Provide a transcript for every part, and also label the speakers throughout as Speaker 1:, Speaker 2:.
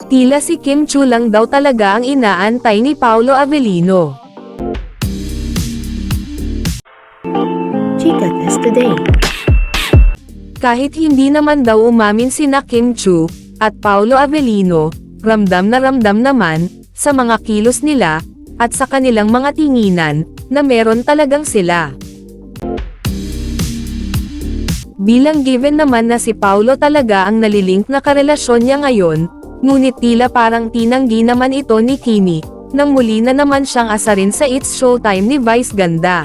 Speaker 1: Tila si Kim Chu lang daw talaga ang inaantay ni Paolo Avellino.
Speaker 2: Chika Test Today.
Speaker 1: Kahit hindi naman daw umamin sina Kim Chu at Paolo Avellino, ramdam naman sa mga kilos nila at sa kanilang mga tinginan na meron talagang sila. Bilang given naman na si Paolo talaga ang nalilink na karelasyon niya ngayon, ngunit tila parang tinanggi naman ito ni Kimi, nang muli na naman siyang asarin sa It's Showtime ni Vice Ganda.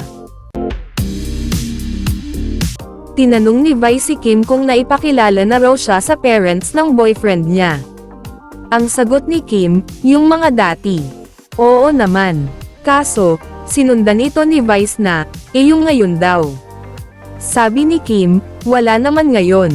Speaker 1: Tinanong ni Vice si Kim kung naipakilala na raw siya sa parents ng boyfriend niya. Ang sagot ni Kim, yung mga dati. Oo naman. Kaso, sinundan ito ni Vice na, yung ngayon daw. Sabi ni Kim, wala naman ngayon.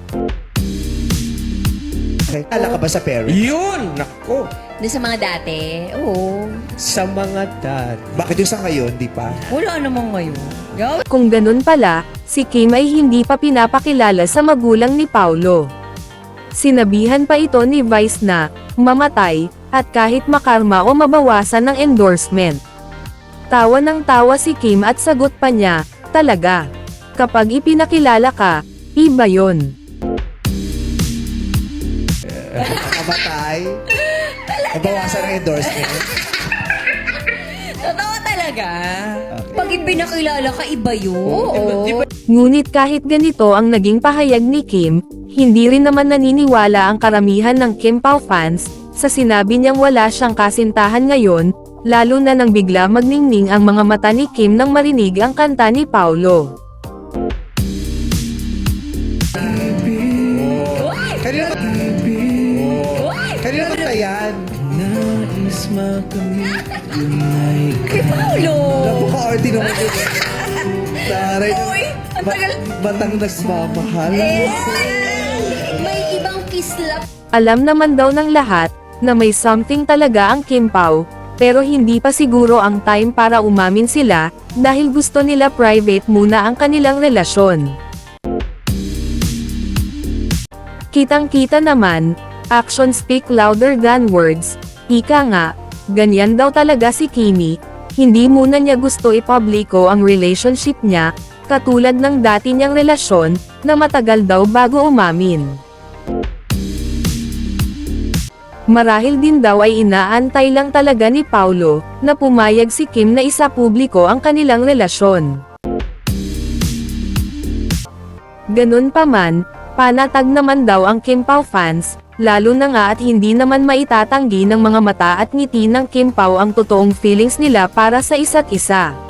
Speaker 3: Ala ka ba sa parents?
Speaker 4: Yun! Nako!
Speaker 5: Doon sa mga dati, oo.
Speaker 4: Sa mga dad.
Speaker 3: Bakit yung sa ngayon, di pa?
Speaker 5: Wala namang ngayon. Yo.
Speaker 1: Kung ganun pala, si Kim ay hindi pa pinapakilala sa magulang ni Paolo. Sinabihan pa ito ni Vice na, mamatay, at kahit makarma o mabawasan ng endorsement. Tawa ng tawa si Kim at sagot pa niya, talaga. Kapag ipinakilala ka, iba yon.
Speaker 3: Makamatay? Nabawasan ng endorsement?
Speaker 5: Totoo talaga. Pag ipinakilala ka, iba yun. Oo.
Speaker 1: Ngunit kahit ganito ang naging pahayag ni Kim, hindi rin naman naniniwala ang karamihan ng Kim Pao fans, sa sinabi niyang wala siyang kasintahan ngayon, lalo na nang bigla magningning ang mga mata ni Kim nang marinig ang kanta ni Paolo.
Speaker 3: Kanina ba yan?
Speaker 4: Nais makamit yung ay
Speaker 5: Kay Paolo.
Speaker 3: Napaka-arty naman yun. Taray,
Speaker 5: Uy, ang tagal.
Speaker 3: batang nagmamahal.
Speaker 5: May ibang kislap.
Speaker 1: Alam naman daw ng lahat, na may something talaga ang Kim Pao, pero hindi pa siguro ang time para umamin sila, dahil gusto nila private muna ang kanilang relasyon. Kitang-kita naman, actions speak louder than words, ika nga, ganyan daw talaga si Kimi, hindi muna niya gusto ipubliko ang relationship niya, katulad ng dati niyang relasyon, na matagal daw bago umamin. Marahil din daw ay inaantay lang talaga ni Paolo, na pumayag si Kim na isapubliko ang kanilang relasyon. Ganun pa man, panatag naman daw ang Kim Pao fans, lalo na nga at hindi naman maitatanggi ng mga mata at ngiti ng Kim Pao ang totoong feelings nila para sa isa't isa.